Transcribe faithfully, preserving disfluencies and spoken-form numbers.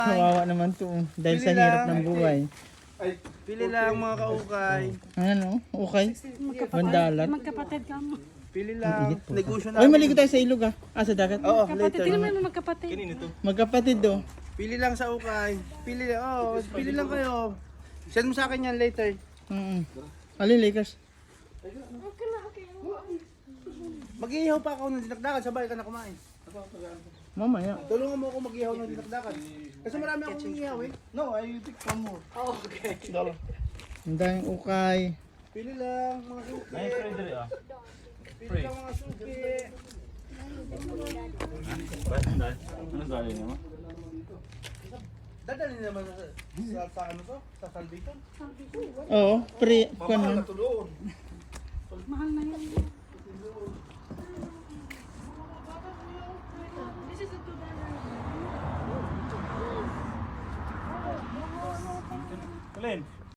Kawawa naman to. oh. Dahil Pili sa hirap lang. ng buhay. Pili lang mga kaukay. Ano? Okay. Mandalat. Magkapatid ka mo. Pili lang. Negosyo na. Oy, maligo tayo sa ilog ah. Ah, sa dagat. Oo, Kapatid, later. tingnan mo yung magkapatid. Magkapatid do. Pili lang sa ukay. Pili lang. Oh, pili lang kayo. Send mo sa akin yan later. Mm. Alin Lakers? Mag-iihaw pa ako ng dinakdakan. Sabay ka na kumain. Mamaya. Tulungan mo ako mag-ihaw ng dinakdakan. Kasi marami akong iihaw eh. No, I pick one more. Oh, okay. Dalo. Ang daming ukay. Pili lang mga suki. Ay, pwede rin ah. Pili lang mga suki. Ba't dahil? Ano dahil naman? Dadali naman sa, sa, sa ano to? Sa salbiton? Oo, pre, kung Mamahal ano. na to doon. Mahal na yun. Kalin,